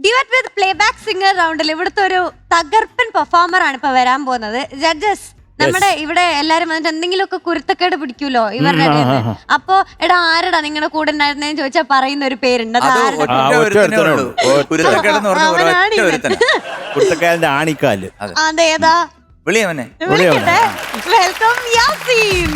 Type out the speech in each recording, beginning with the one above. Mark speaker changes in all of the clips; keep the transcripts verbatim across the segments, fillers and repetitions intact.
Speaker 1: Duet with playback singer റൗണ്ടിൽ ഇവിടുത്തെ ഒരു തകർപ്പൻ പെർഫോമർ ആണ് ഇപ്പൊ വരാൻ പോകുന്നത്. ജഡ്ജസ് നമ്മുടെ ഇവിടെ എല്ലാരും വന്നിട്ട് എന്തെങ്കിലുമൊക്കെ കുരുത്തക്കേട് പിടിക്കൂലോ ഇവരുടെ ഇടയിന്ന്. അപ്പൊ എടാ ആരടാ നിങ്ങളുടെ കൂടെ ഉണ്ടായിരുന്നേന്ന് ചോദിച്ചാൽ പറയുന്ന ഒരു പേരുണ്ട്. അത് അതേതാ? വെൽക്കം യാസീൻ.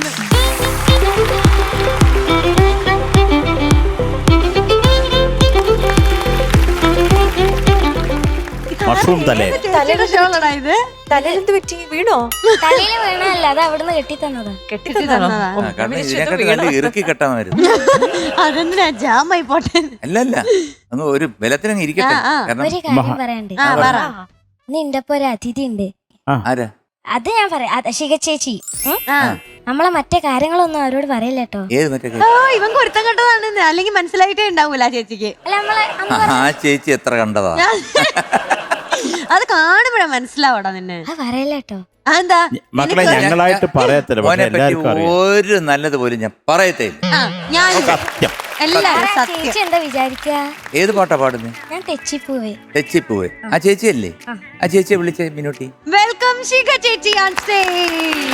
Speaker 2: മഷ്റൂം തലേ
Speaker 1: ഇത്
Speaker 3: തലയിലെന്ത് പറ്റി? വീണോ?
Speaker 4: തലയില് വീണല്ല, അത് അവിടുന്ന് കെട്ടി തന്നതാ.
Speaker 3: കെട്ടി തന്നതാ.
Speaker 5: ഇറുക്കി കെട്ടാമായിരുന്നു.
Speaker 1: അതെന്തിനാ ജാമായി പോട്ടെ?
Speaker 5: അല്ലല്ല അങ്ങ് ഒരു ബലത്തിനങ്ങ് ഇരിക്കട്ടെ.
Speaker 4: ഒരു കാര്യം പറയണ്ട്. നിന്റെ ഒപ്പം ഒരു അതിഥി ഉണ്ട്.
Speaker 5: ആരാ?
Speaker 4: അത് ഞാൻ പറയാം. ശിഖ ചേച്ചി നമ്മളെ മറ്റേ കാര്യങ്ങളൊന്നും അവരോട് പറയില്ല കേട്ടോ.
Speaker 5: ഏത് മറ്റേ?
Speaker 1: ഇവൻ കുരുത്തം കണ്ടതാണ്, അല്ലെങ്കിൽ മനസ്സിലായിട്ടേ ഉണ്ടാവൂല ചേച്ചിക്ക്.
Speaker 4: അല്ല നമ്മളെ
Speaker 5: ആ ചേച്ചി എത്ര കണ്ടതാ?
Speaker 1: അത് കാണുമ്പോഴാ മനസ്സിലാവടാ നിന്നെ.
Speaker 4: അത് പറയില്ല കേട്ടോ.
Speaker 1: അതെന്താ?
Speaker 2: മക്കളെ ഞങ്ങളായിട്ട് പറയത്തില്ല,
Speaker 5: മോനെ പറ്റി ഒരു നല്ലത് പോലും ഞാൻ പറയത്തേ.
Speaker 1: ഞാൻ
Speaker 2: സത്യം.
Speaker 1: എല്ലാരും
Speaker 4: ചേച്ചി എന്താ വിചാരിക്ക?
Speaker 5: ഏത് പാട്ടാ പാടുന്നത്?
Speaker 4: ഞാൻ തെച്ചിപ്പോവേ.
Speaker 5: തെച്ചിപ്പോവേ. ആ ചേച്ചിയല്ലേ? ആ ചേച്ചിയെ വിളിച്ചേ മിനോട്ടി.
Speaker 1: വെൽക്കം ശിഖ ചേച്ചി ഓൺ സ്റ്റേജ്.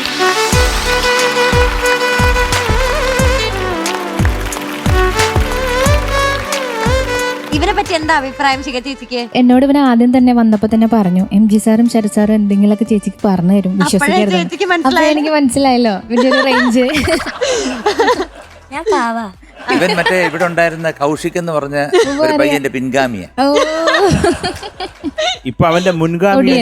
Speaker 1: ഇവനെ പറ്റി എന്താ അഭിപ്രായം ശിഖ ചേച്ചിക്ക്?
Speaker 6: എന്നോട് ഇവനെ ആദ്യം തന്നെ വന്നപ്പോ തന്നെ പറഞ്ഞു, എം ജി സാറും ശരത് സാറും എന്തെങ്കിലുമൊക്കെ ചേച്ചിക്ക് പറഞ്ഞു തരും, വിശ്വസിക്കരുത്. അപ്പൊ എനിക്ക് മനസ്സിലായല്ലോ ഇവന്റെ ഒരു റേഞ്ച്.
Speaker 4: ഞാൻ പാവാ.
Speaker 5: ഇവൻ മറ്റേ ഇവിടെ ഉണ്ടായിരുന്ന കൗശിക് എന്ന് പറഞ്ഞ ഒരു പയ്യന്റെ പിൻഗാമിയ.
Speaker 2: ഇപ്പൊ അവന്റെ മുൻഗാമി.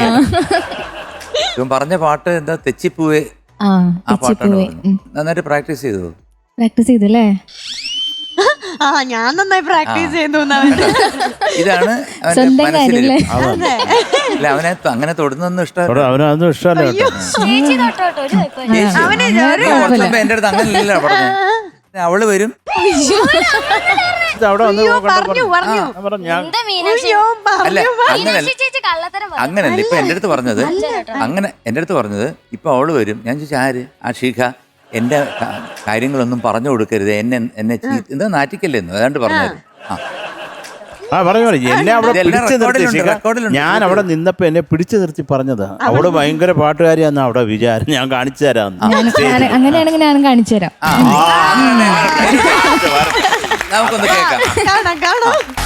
Speaker 5: ഇവൻ പറഞ്ഞ പാട്ട് എന്താ? തെച്ചിപ്പൂവേ. ആ പാട്ടാണ്. നന്നായിട്ട് പ്രാക്ടീസ് ചെയ്തു.
Speaker 6: പ്രാക്ടീസ് ചെയ്തല്ലേ?
Speaker 1: ആ ഞാൻ നന്നായി പ്രാക്ടീസ് ചെയ്യുന്നു.
Speaker 5: ഇതാണ് അവന്റെ മനസ്സിലെ. അല്ല അവനെ അങ്ങനെ തൊടുന്നൊന്നും ഇഷ്ടമല്ല.
Speaker 2: അവനൊന്നും ഇഷ്ടമല്ല കേട്ടോ.
Speaker 4: ചേച്ചി തൊട്ടോട്ടോ, ഒരു കുഴപ്പമില്ല.
Speaker 5: എന്റെ അടുത്ത് അങ്ങനെയല്ല പറഞ്ഞത്. അവള് വരും.
Speaker 2: അവിടെ വന്ന്
Speaker 4: എന്താ മീനാക്ഷി?
Speaker 5: അല്ല അങ്ങനല്ല,
Speaker 4: ചേച്ചി കള്ളത്തരം പറ.
Speaker 5: അങ്ങനല്ല ഇപ്പൊ എന്റെ അടുത്ത് പറഞ്ഞത്. അങ്ങനെ എന്റെ അടുത്ത് പറഞ്ഞത് ഇപ്പൊ അവള് വരും. ഞാൻ ചോദിച്ചാൽ ആര്? ആ ഷീഖ എന്റെ കാര്യങ്ങളൊന്നും പറഞ്ഞു കൊടുക്കരുത്, എന്നെ എന്നെ എന്താ നാറ്റിക്കല്ലെന്നു ഏതാണ്ട് പറഞ്ഞായിരുന്നു.
Speaker 2: ആ പറഞ്ഞു എന്നെ അവിടെ പിടിച്ചു നിർത്തി. ഞാൻ അവിടെ നിന്നപ്പോ എന്നെ പിടിച്ചു നിർത്തി പറഞ്ഞതാ. അവിടെ ഭയങ്കര പാട്ടുകാരിയാന്ന് അവിടെ വിചാരം. ഞാൻ കാണിച്ചു തരാം.
Speaker 6: അങ്ങനെയാണെങ്കിൽ ഞാൻ കാണിച്ചു തരാം.
Speaker 5: നമുക്കൊന്ന് കേൾക്കാം.
Speaker 1: കാണാം കാണാം.